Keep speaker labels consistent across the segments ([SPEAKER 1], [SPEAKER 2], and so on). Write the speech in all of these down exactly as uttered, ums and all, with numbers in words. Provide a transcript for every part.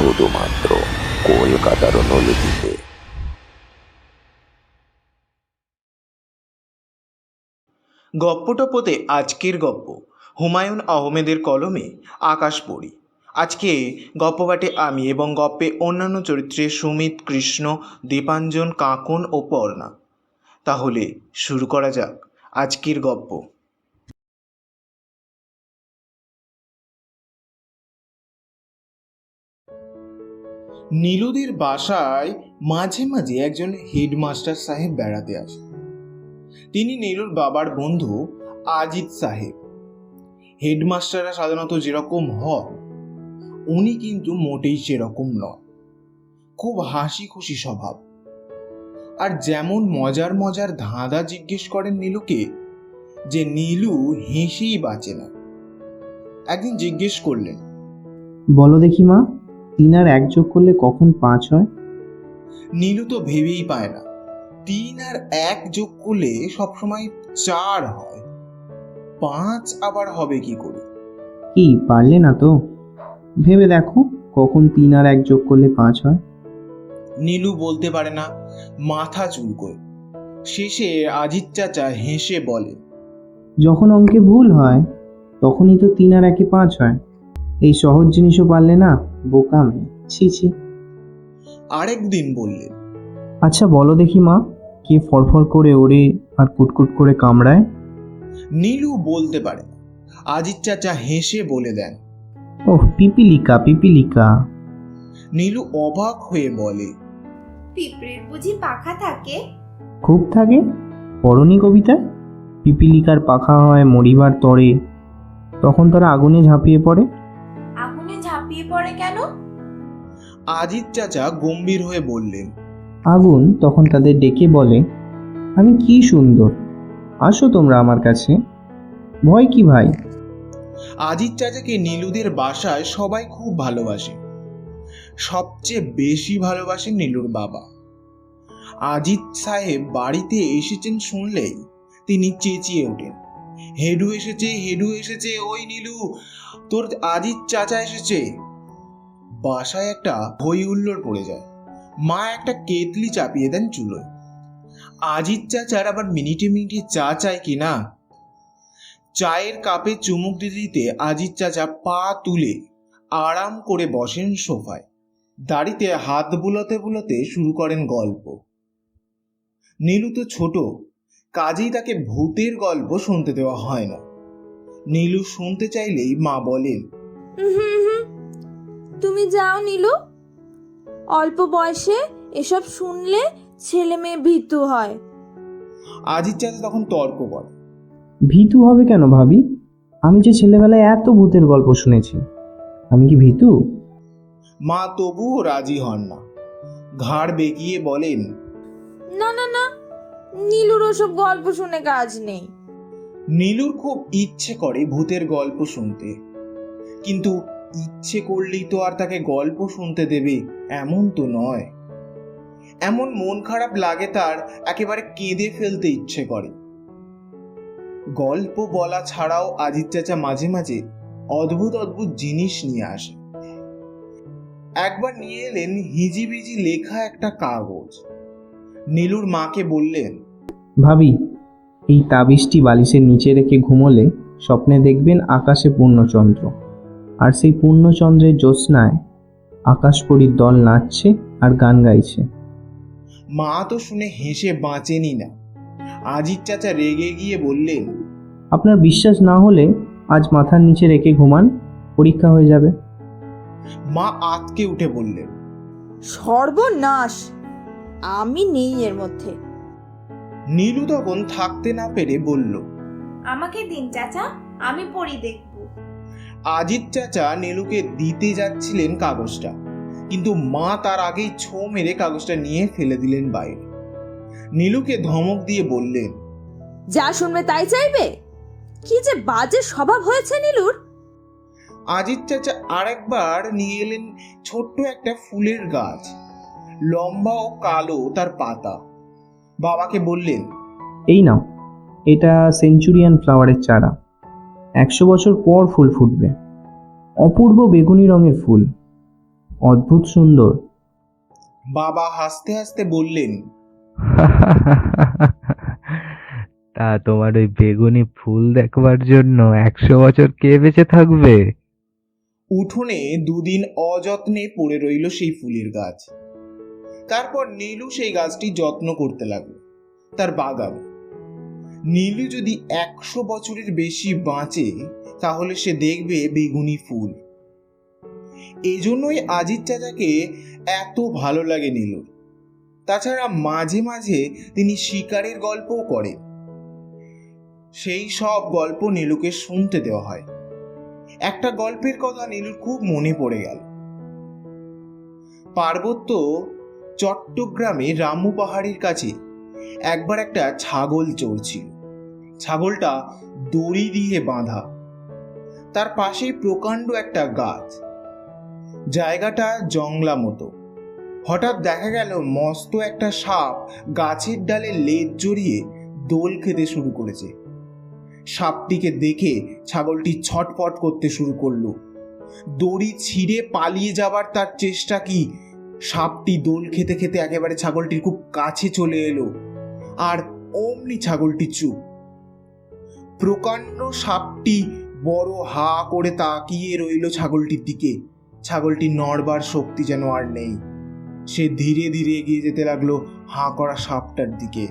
[SPEAKER 1] শুধুমাত্র কলকাতার অনুলিপিতে।
[SPEAKER 2] গপ্পটপ্পতে আজকের গপ্প হুমায়ুন আহমেদের কলমে আকাশপরী। আজকে গপ্পপাঠে আমি এবং গপ্পে অন্যান্য চরিত্রে সুমিত, কৃষ্ণ, দীপাঞ্জন, কাঁকন ও পর্ণা। তাহলে শুরু করা যাক আজকের গপ্প। নীলুদের বাসায় মাঝে মাঝে একজন হেডমাস্টার সাহেব বেড়াতে আসেন। তিনি নীলুর বাবার বন্ধু আজিত সাহেব। হেডমাস্টাররা সাধারণত যেরকম হয় উনি কিন্তু মোটেই সেরকম নয়। খুব হাসি খুশি স্বভাব, আর যেমন মজার মজার ধাঁধা জিজ্ঞেস করেন নীলুকে যে নীলু হেসেই বাঁচে না। একদিন জিজ্ঞেস করলেন,
[SPEAKER 3] বলো দেখি মা, তিন আর এক যোগ করলে কখন পাঁচ হয়?
[SPEAKER 2] নীলু তো ভেবেই পায় না। তিন আর এক যোগ করলে সবসময় চার হয়, পাঁচ আবার হবে কি করে?
[SPEAKER 3] কি পারলে না তো? ভেবে দেখো কখন তিন আর এক যোগ করলে পাঁচ হয়।
[SPEAKER 2] নীলু বলতে পারে না, মাথা চুলকোয়। শেষে আজিত চাচা হেসে বলে,
[SPEAKER 3] যখন অঙ্কে ভুল হয় তখনই তো তিন আর একে পাঁচ হয়। এই সহজ জিনিসও পারলে না, বোকামি। ছি ছি।
[SPEAKER 2] আরেকদিন বললেন,
[SPEAKER 3] আচ্ছা বলো দেখি মা, কে ফরফর করে ওড়ে আর কুটকুট করে কামড়ায়?
[SPEAKER 2] নীলু বলতে পারে না। আজিত চাচা হেসে বলে দেন,
[SPEAKER 3] ওহ, পিপিলিকা পিপিলিকা।
[SPEAKER 2] নীলু অবাক হয়ে বলে,
[SPEAKER 4] পিঁপড়ের বুঝি পাখা থাকে?
[SPEAKER 3] খুব থাকে, পড়নি কবিতা? পিপিলিকার পাখা হয় মরিবার তরে, তখন তারা আগুনে ঝাঁপিয়ে পড়ে।
[SPEAKER 4] আগুনে ঝাঁপিয়ে পড়ে কেন?
[SPEAKER 2] আজিত চাচা গম্ভীর হয়ে বললেন,
[SPEAKER 3] আগুন তখন তাদের ডেকে বলে, আমি কি সুন্দর, আসো তোমরা আমার কাছে, ভয় কি ভাই?
[SPEAKER 2] আজিত চাচাকে নীলুদের বাসায় সবাই খুব ভালোবাসে। সবচেয়ে বেশি ভালোবাসেন নীলুর বাবা। আজিত সাহেব বাড়িতে এসেছেন শুনলেই তিনি চেঁচিয়ে ওঠেন, হেডু এসেছে, হেডু এসেছে, ওই নীলু, তোর আজিত চাচা এসেছে। বাসায় একটা হই হুল্লোড় পড়ে যায়। মা একটা কেতলি চাপিয়ে দেন চুলোয়। আজিত চাচার আবার মিনিটে মিনিটে চা চায় কিনা। চায়ের কাপে চুমুক দিতে দিতে আজিত চাচা পা তুলে আরাম করে বসেন সোফায়। দাড়িতে হাত বুলাতে বুলাতে শুরু করেন গল্প। নীলু তো ছোট, কাজেই তাকে ভূতের গল্প শুনতে দেওয়া হয় না। নীলু শুনতে চাইলেই মা বলেন,
[SPEAKER 4] হুম হুম, তুমি যাও নীলু, অল্প বয়সে এসব শুনলে ছেলে মেয়ে ভীতু হয়।
[SPEAKER 2] আজিত চাচা তখন তর্ক করে,
[SPEAKER 3] ভীতু হবে কেন ভাবি? আমি যে ছেলেবেলায় এত ভূতের গল্প শুনেছি, আমি কি ভীতু?
[SPEAKER 2] মা তবুও রাজি হন না। ঘাড় বেঁকিয়ে বলেন,
[SPEAKER 4] না না না, নীলুর ওসব গল্প শুনে কাজ নেই।
[SPEAKER 2] নীলুর খুব ইচ্ছে করে ভূতের গল্প শুনতে, কিন্তু ইচ্ছে করলেই তো আর তাকে গল্প শুনতে দেবে এমন তো নয়। এমন মন খারাপ লাগে তার, একেবারে কেঁদে ফেলতে ইচ্ছে করে। গল্প বলা ছাড়াও আজিত চাচা মাঝে মাঝে অদ্ভুত অদ্ভুত জিনিস নিয়ে আসে। একবার নিয়ে এলেন হিজিবিজি লেখা একটা কাগজ। নীলুর মাকে বললেন,
[SPEAKER 3] ভাবি, এই তাবিজটি বালিশের নিচে রেখে ঘুমোলে স্বপ্নে দেখবেন আকাশে পূর্ণচন্দ্র, আর সেই পূর্ণচন্দ্রের জ্যোৎস্নায় আকাশপরীর দল নাচছে আর গান গাইছে।
[SPEAKER 2] মা তো শুনে হেসে বাঁচেনি না। আজিত চাচা রেগে গিয়ে বললেন,
[SPEAKER 3] আপনার বিশ্বাস না হলে আজ মাথার নিচে রেখে ঘুমান, পরীক্ষা হয়ে যাবে।
[SPEAKER 2] মা আঁতকে উঠে বললেন,
[SPEAKER 4] সর্বনাশ, আমি নেই এর মধ্যে।
[SPEAKER 2] নীলু তখন থাকতে না পেরে বলল,
[SPEAKER 4] আমাকে দিন চাচা, আমি পড়ি দেখব।
[SPEAKER 2] আজিত চাচা নীলুকে দিতে যাচ্ছিলেন কাগজটা, কিন্তু মা তার আগেই ছো মেরে কাগজটা নিয়ে ফেলে দিলেন বাইরে। নীলুকে ধমক দিয়ে বললেন,
[SPEAKER 4] যা শুনবে তাই চাইবে? কি যে বাজে স্বভাব হয়েছে নীলুর।
[SPEAKER 2] আজিত চাচা আরেকবার নিয়ে এলেন ছোট্ট একটা ফুলের গাছ, লম্বা ও কালো তার পাতা। বাবাকে বললেন,
[SPEAKER 3] এই নাও, এটা সেঞ্চুরিয়ান ফ্লাওয়ারের চারা, একশো বছর পর ফুল ফুটবে। অপূর্ব বেগুনি রঙের ফুল, অদ্ভুত সুন্দর।
[SPEAKER 2] বাবা হাসতে হাসতে বললেন,
[SPEAKER 5] তা তোমার ওই বেগুনি ফুল দেখবার জন্য একশো বছর কে বেঁচে থাকবে?
[SPEAKER 2] উঠোনে দুদিন অযত্নে পড়ে রইল সেই ফুলের গাছ। তারপর নীলু সেই গাছটি যত্ন করতে লাগলো, তার বাগান। নীলু যদি একশো বছরের বেশি বাঁচে তাহলে সে দেখবে বেগুনি ফুল। এজন্যই আজিজ চাচাকে এত ভালো লাগে নীলুর। তাছাড়া মাঝে মাঝে তিনি শিকারের গল্পও করেন। সেই সব গল্প নীলুকে শুনতে দেওয়া হয়। একটা গল্পের কথা নীলুর খুব মনে পড়ে গেল। পার্বত্য চট্টগ্রামে রামু পাহাড়ের কাছে একবার একটা ছাগল চড়ছিল। ছাগলটা দড়ি দিয়ে বাঁধা, তার পাশেই প্রকাণ্ড একটা গাছ। জায়গাটা জংলা মতো। হঠাৎ দেখা গেল মস্ত একটা সাপ গাছের ডালে লেজ জড়িয়ে দোল খেতে শুরু করেছে। সাপটিকে দেখে ছাগলটি ছটফট করতে শুরু করলো। দড়ি ছিঁড়ে পালিয়ে যাবার তার চেষ্টা কি, সাপটি দোল খেতে খেতে একেবারে ছাগলটির খুব কাছে চলে এলো, আর অমনি ছাগলটি চুপ। প্রকাণ্ড সাপটি বড় হা করে তাকিয়ে রইল ছাগলটির দিকে। ছাগলটি নড়বার শক্তি যেন আর নেই। সে ধীরে ধীরে এগিয়ে যেতে লাগলো হাঁ করা সাপটার দিকে।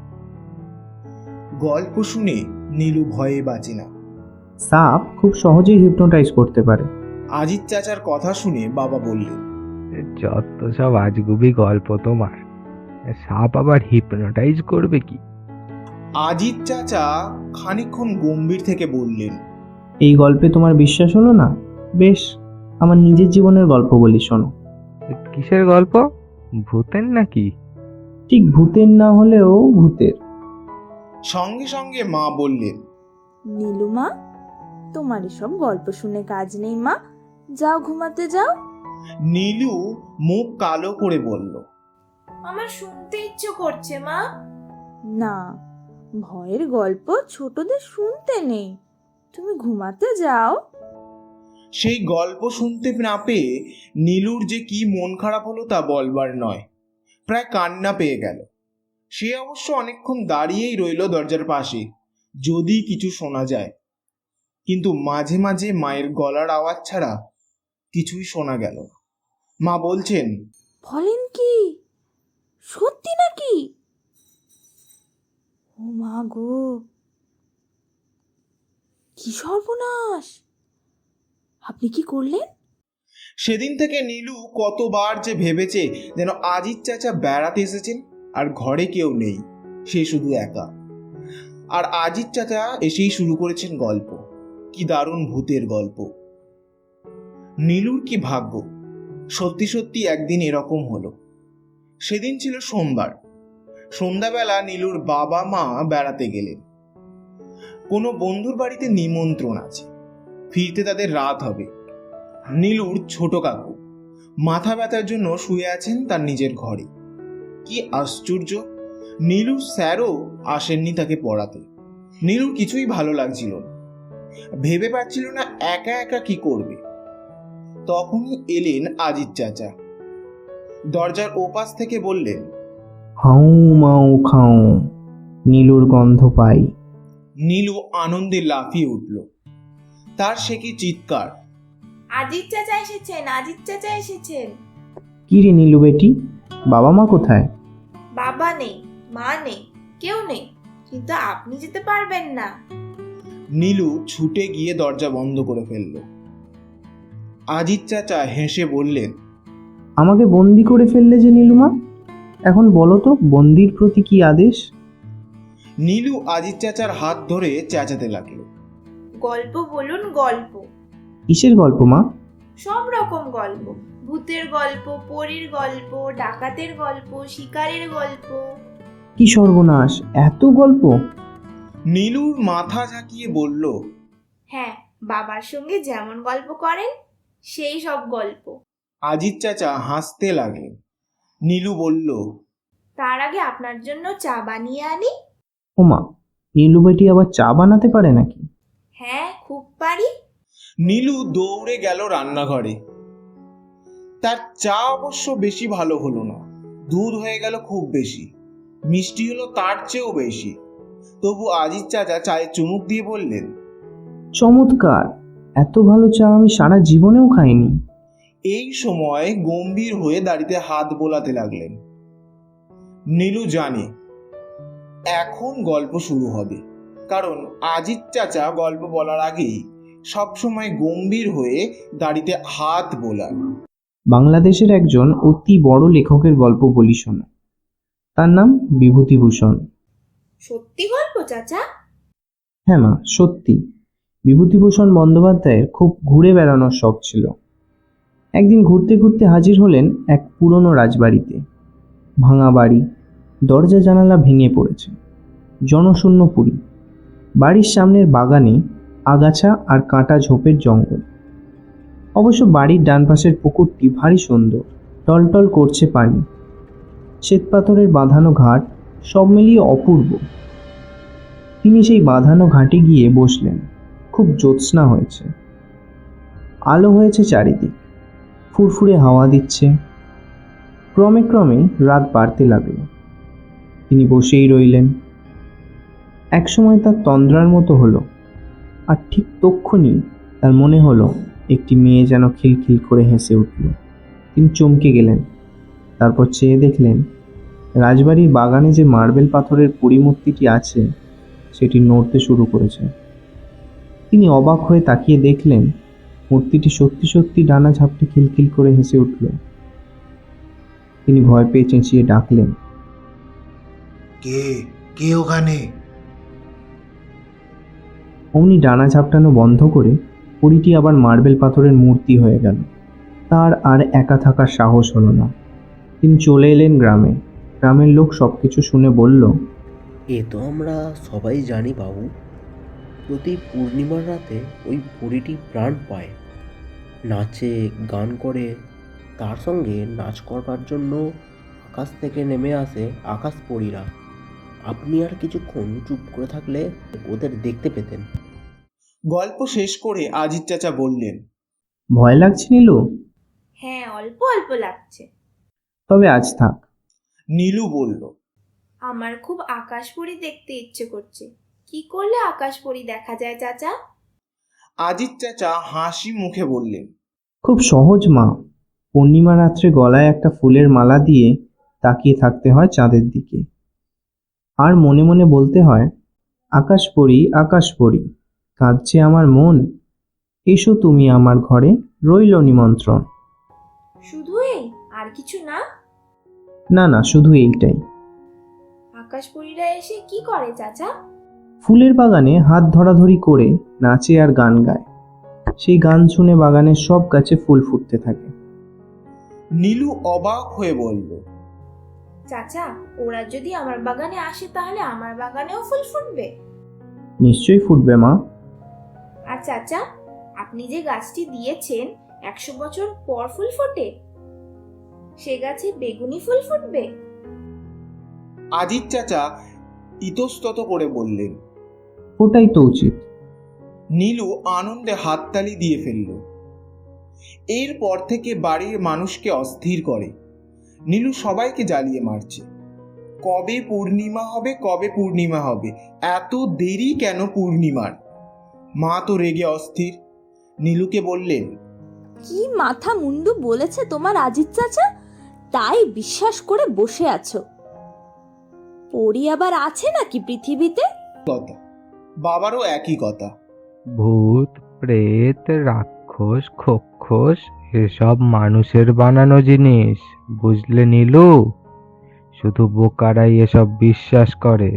[SPEAKER 2] গল্প শুনে নীলু ভয়ে বাঁচে না।
[SPEAKER 3] সাপ খুব সহজেই হিপনোটাইজ করতে পারে।
[SPEAKER 2] আজিজ চাচার কথা শুনে বাবা বললেন,
[SPEAKER 5] যত সব আজগুবি গল্প তোমার, সাপ আবার হিপনোটাইজ করবে কি?
[SPEAKER 2] আজিজ চাচা খানিকক্ষণ গম্ভীর থেকে বললেন,
[SPEAKER 3] এই গল্পে তোমার বিশ্বাস হলো না? বেশ, আমার নিজের জীবনের গল্প বলি শোনো।
[SPEAKER 5] কিসের গল্প? ভূতের নাকি?
[SPEAKER 3] ঠিক ভূতের না হলেও ভূতের।
[SPEAKER 2] সঙ্গে সঙ্গে মা বললেন,
[SPEAKER 4] নীলুমা, তোমার এসব গল্প শুনে কাজ নেই মা, যাও ঘুমাতে যাও।
[SPEAKER 2] নীলু মুখ কালো করে বলল,
[SPEAKER 6] আমার শুনতে ইচ্ছে করছে মা।
[SPEAKER 4] না, ভয়ের গল্প ছোটদের শুনতে নেই, তুমি ঘুমাতে যাও।
[SPEAKER 2] সেই গল্প শুনতে না পেয়ে নীলুর যে কি মন খারাপ হলো তা বলবার নয়। প্রায় কান্না পেয়ে গেল। সে অবশ্য অনেকক্ষণ দাঁড়িয়েই রইল দরজার পাশে, যদি কিছু শোনা যায়। কিন্তু মাঝে মাঝে মায়ের গলার আওয়াজ ছাড়া কিছুই শোনা গেল না। মা বলছেন,
[SPEAKER 4] বলেন কি, সত্যি নাকি? ও মা গো, কি সর্বনাশ! আপনি কি করলেন?
[SPEAKER 2] সেদিন থেকে নীলু কতবার যে ভেবেছে যেন আজিজ চাচা বেড়াতে এসেছেন আর ঘরে কেউ নেই, সে শুধু একা। আর আজিজ চাচা এসেই শুরু করেছেন গল্প। কি দারুণ ভূতের গল্প! নীলুর কি ভাগ্য, সত্যি সত্যি একদিন এরকম হলো। সেদিন ছিল সোমবার। সন্ধ্যাবেলা নীলুর বাবা মা বেড়াতে গেলেন। কোনো বন্ধুর বাড়িতে নিমন্ত্রণ আছে, ফিরতে তাদের রাত হবে। নীলুর ছোট কাকু মাথা ব্যথার জন্য শুয়ে আছেন তার নিজের ঘরে। কি আশ্চর্য, নীলুর স্যারও আসেননি তাকে পড়াতে। নীলুর কিছুই ভালো লাগছিল না, ভেবে পাচ্ছিল না একা একা কি করবে। তখনই এলেন আজিজ চাচা। দরজার ওপাশ থেকে বললেন,
[SPEAKER 3] হাউ মাউ খাও, নীলুর গন্ধ পাই।
[SPEAKER 2] নীলু আনন্দে লাফিয়ে উঠল। তার সে কি চিৎকার!
[SPEAKER 6] আজিজ চাচা এসেছেন, আজিজ চাচা এসেছেন।
[SPEAKER 3] কি রে নীলু বেটি, বাবা মা কোথায়?
[SPEAKER 6] বাবা নেই, মা নেই, কেউ নেই, কিন্তু আপনি যেতে পারবেন না।
[SPEAKER 2] নীলু ছুটে গিয়ে দরজা বন্ধ করে ফেলল। আজিজ চাচা হেসে বললেন,
[SPEAKER 3] আমাকে বন্দি করে ফেললে যে নীলুমা, এখন বলো তো বন্দির প্রতি কি আদেশ?
[SPEAKER 2] নীলু আজিজ চাচার হাত ধরে চেঁচাতে লাগলো,
[SPEAKER 6] গল্প বলুন, গল্প।
[SPEAKER 3] কিসের গল্প মা?
[SPEAKER 6] সব রকম গল্প, ভূতের গল্প, পরীর গল্প, ডাকাতের গল্প, শিকারের গল্প।
[SPEAKER 3] কি সর্বনাশ, এত গল্প!
[SPEAKER 2] নীলুর মাথা ঝাঁকিয়ে বলল,
[SPEAKER 6] হ্যাঁ, বাবার সঙ্গে যেমন গল্প করেন সেই সব গল্প।
[SPEAKER 2] আজিজ চাচা হাসতে লাগলেন। নীলু বলল,
[SPEAKER 6] তার আগে আপনার জন্য চা বানিয়ে আনি।
[SPEAKER 3] ওমা, নীলু বেটি আবার চা বানাতে পারে নাকি?
[SPEAKER 6] হ্যাঁ, খুব পারি।
[SPEAKER 2] নীলু দৌড়ে গেল রান্নাঘরে। তার চা অবশ্য বেশি ভালো হলো না, দুধ হয়ে গেল খুব বেশি, মিষ্টি হলো তার চেয়েও বেশি। তবু আজিজ চাচা চায়ে চুমুক দিয়ে বললেন,
[SPEAKER 3] চমৎকার, এত ভালো চা আমি সারা জীবনেও খাইনি।
[SPEAKER 2] এই সময় গম্ভীর হয়ে দাড়িতে হাত বোলাতে লাগলেন। নীলু জানে এখন গল্প শুরু হবে, কারণ আজিজ চাচা গল্প বলার আগেই সবসময় গম্ভীর হয়ে দাড়িতে হাত বোলান।
[SPEAKER 3] বাংলাদেশের একজন অতি বড় লেখকের গল্প বলি শোনো। তার নাম বিভূতিভূষণ।
[SPEAKER 6] সত্যি গল্প চাচা?
[SPEAKER 3] হ্যাঁ মা, সত্যি। বিভূতিভূষণ বন্দ্যোপাধ্যায়ের খুব ঘুরে বেড়ানোর শখ ছিল। একদিন ঘুরতে ঘুরতে হাজির হলেন এক পুরনো রাজবাড়িতে। ভাঙা বাড়ি, দরজা জানালা ভেঙে পড়েছে, জনশূন্য পুরী। বাড়ির সামনের বাগানে আগাছা আর কাঁটা ঝোপের জঙ্গল। অবশ্য বাড়ির ডান পাশের পুকুরটি ভারী সুন্দর, টলটল করছে পানি, শ্বেতপাথরের বাঁধানো ঘাট, সব মিলিয়ে অপূর্ব। তিনি সেই বাঁধানো ঘাটে গিয়ে বসলেন। খুব জ্যোৎস্না হয়েছে, আলো হয়েছে চারিদিক, ফুরফুরে হাওয়া দিচ্ছে। ক্রমে ক্রমে রাত বাড়তে লাগলো। তিনি বসেই রইলেন। একসময় তার তন্দ্রার মতো হলো, আর ঠিক তক্ষুনি তার মনে হলো একটি মেয়ে যেন খিলখিল করে হেসে উঠল। তিনি চমকে গেলেন। তারপর চেয়ে দেখলেন রাজবাড়ির বাগানে যে মার্বেল পাথরের পরিমূর্তিটি আছে সেটি নড়তে শুরু করেছে। তিনি অবাক হয়ে তাকিয়ে দেখলেন মূর্তিটি সত্যি সত্যি ডানা ঝাপটে খিলখিল করে হেসে উঠল। তিনি ভয় পেয়ে চেঁচিয়ে ডাকলেন,
[SPEAKER 2] কে কে ওখানে?
[SPEAKER 3] অমনি ডানা ঝাপটানো বন্ধ করে পরীটি আবার মার্বেল পাথরের মূর্তি হয়ে গেল। তার আর একা থাকার সাহস হলো না। তিনি চলে এলেন গ্রামে। গ্রামের লোক সবকিছু শুনে বলল,
[SPEAKER 7] এ তো আমরা সবাই জানি বাবু, প্রতি পূর্ণিমার রাতে ওই বুড়িটি প্রাণ পায়, নাচে গান করে, তার সঙ্গে নাচ করবার জন্য আকাশ থেকে নেমে আসে আকাশ পরীরা। আপনি আর কিছুক্ষণ চুপ করে থাকলে ওদের দেখতে পেতেন।
[SPEAKER 2] গল্প শেষ করে আজিজ চাচা বললেন,
[SPEAKER 3] ভয় লাগছে নীলু?
[SPEAKER 6] হ্যাঁ, অল্প অল্প লাগছে।
[SPEAKER 3] তবে আজ থাক।
[SPEAKER 2] নীলু বলল,
[SPEAKER 6] আমার খুব আকাশপরী দেখতে ইচ্ছে করছে। কি করলে আকাশপরী দেখা যায় চাচা?
[SPEAKER 2] আজিজ চাচা হাসি মুখে বললেন,
[SPEAKER 3] খুব সহজ মা। পূর্ণিমা রাত্রে গলায় একটা ফুলের মালা দিয়ে তাকিয়ে থাকতে হয় চাঁদের দিকে, আর মনে মনে বলতে হয়, আকাশ পড়ি আকাশ পড়ি, কাঁদছে আমার মন, এসো তুমি আমার ঘরে, রইল নিমন্ত্রণ।
[SPEAKER 6] শুধু এই, আর কিছু না?
[SPEAKER 3] না না, শুধু এইটাই।
[SPEAKER 6] আকাশপরীরা এসে কি করে চাচা?
[SPEAKER 3] ফুলের বাগানে হাত ধরাধরি করে নাচে আর গান গায়। সেই গান শুনে বাগানের সব গাছে ফুল ফুটতে থাকে।
[SPEAKER 2] নীলু অবাক হয়ে বলল,
[SPEAKER 6] চাচা, ওরা যদি আমার বাগানে আসে তাহলে আমার বাগানেও ফুল ফুটবে?
[SPEAKER 3] নিশ্চয়ই ফুটবে মা।
[SPEAKER 6] আর চাচা, আপনি যে গাছটি দিয়েছেন একশো বছর পর ফুল ফোটে, সে গাছে বেগুনি ফুল ফুটবে?
[SPEAKER 2] আজিজ চাচা ইতস্তত করে বললেন।
[SPEAKER 3] ওটাই তো উচিত।
[SPEAKER 2] নীলু আনন্দে হাততালি দিয়ে ফেলল। এরপর থেকে বাড়ির মানুষকে অস্থির করে। নীলু সবাইকে জ্বালিয়ে মারছে। কবে পূর্ণিমা হবে, কবে পূর্ণিমা হবে, এত দেরি কেন পূর্ণিমার? মা তো রেগে অস্থির। নীলুকে বললেন,
[SPEAKER 4] কি মাথা মুন্ডু বলেছে তোমার আজিজ চাচা, তাই বিশ্বাস করে বসে আছো? পরি আবার আছে নাকি পৃথিবীতে?
[SPEAKER 2] কথা বাবারও একই কথা।
[SPEAKER 5] ভূত প্রেত রাক্ষস খোক্ষস এসব মানুষের বানানো জিনিস, বুঝলে নীলু? শুধু বোকারাই এসব বিশ্বাস করে।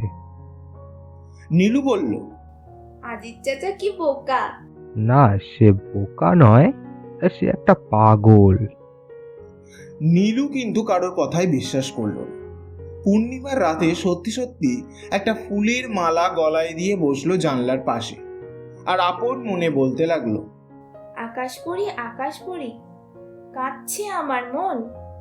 [SPEAKER 2] নীলু বলল,
[SPEAKER 6] আজিজ চাচা কি বোকা?
[SPEAKER 5] না, সে বোকা নয়, সে একটা পাগল।
[SPEAKER 2] নীলু কিন্তু কারোর কথাই বিশ্বাস করল না। পূর্ণিমার রাতে সত্যি সত্যি একটা ফুলের মালা গলায় দিয়ে বসলো জানলার পাশে, আর আপন মনে বলতে লাগলো,
[SPEAKER 6] আকাশপরী আকাশপরী, কাঁদছে আমার মন,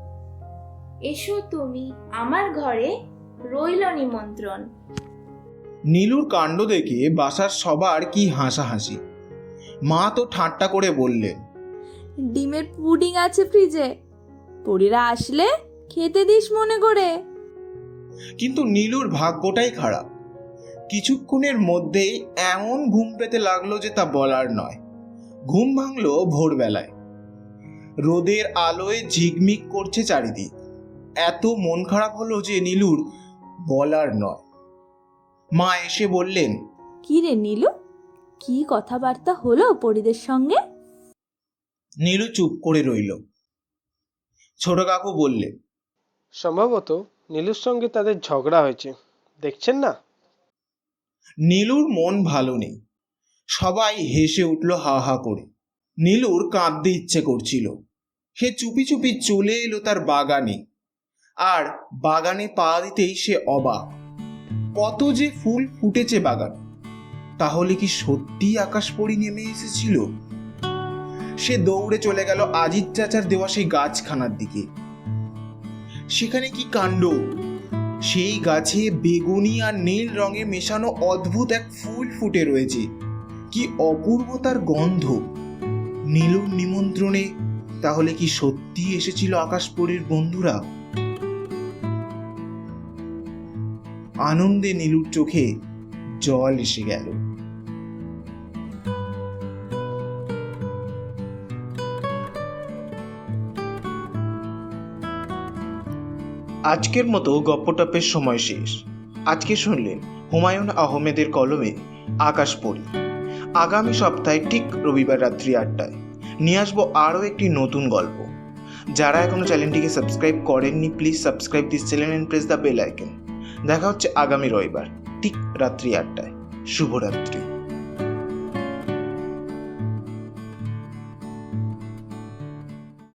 [SPEAKER 6] এসো তুমি আমার ঘরে, রইল নিমন্ত্রণ।
[SPEAKER 2] নীলুর কাণ্ড দেখে বাসার সবার কি হাসাহাসি। মা তো ঠাট্টা করে বললেন,
[SPEAKER 4] ডিমের পুডিং আছে ফ্রিজে, পরীরা আসলে খেতে দিস মনে করে।
[SPEAKER 2] কিন্তু নীলুর ভাগ্যটাই খারাপ। কিছুক্ষণের মধ্যেই এমন ঘুম পেতে লাগলো যে তা বলার নয়। ঘুম ভাঙলো ভোরবেলায়। রোদের আলোয় ঝিকমিক করছে চারিদিক। এত মন খারাপ হলো যে নীলুর বলার নয়। মা এসে বললেন,
[SPEAKER 4] কি রে নীলু, কি কথাবার্তা হলো পরীদের সঙ্গে?
[SPEAKER 2] নীলু চুপ করে রইল। ছোট কাকু বললেন,
[SPEAKER 8] সম্ভবত নীলুর সঙ্গে তাদের ঝগড়া হয়েছে, দেখছেন না?
[SPEAKER 2] নীলুর মন ভালো নেই। সবাই হেসে উঠল হা হা করে। নীলুর কাঁদতে ইচ্ছে করছিল। সে চুপি চুপি চলে এলো তার বাগানে। আর বাগানে পা দিতেই সে অবাক। কত যে ফুল ফুটেছে বাগান। তাহলে কি সত্যি আকাশপরী নেমে এসেছিল? সে দৌড়ে চলে গেল আজিত চাচার দেওয়া সেই গাছখানার দিকে। সেখানে কি কাণ্ড! সেই গাছে বেগুনি আর নীল রঙে মেশানো অদ্ভুত এক ফুল ফুটে রয়েছে। কি অপূর্ব তার গন্ধ! নীলুর নিমন্ত্রণে তাহলে কি সত্যি এসেছিল আকাশপরীর বন্ধুরা? আনন্দে নীলুর চোখে জল এসে গেল। আজকের মতো গপ্পটপের সময় শেষ। আজকে শুনলেন হুমায়ুন আহমেদের কলমে আকাশপরী। আগামী সপ্তাহে ঠিক রবিবার রাত্রি আটটায় নিয়ে আসবো আরও একটি নতুন গল্প। যারা এখনো চ্যানেলটিকে সাবস্ক্রাইব করেননি, please subscribe this channel and press the bell icon. দেখা হচ্ছে আগামী রবিবার ঠিক রাত্রি আটটায়। শুভরাত্রি।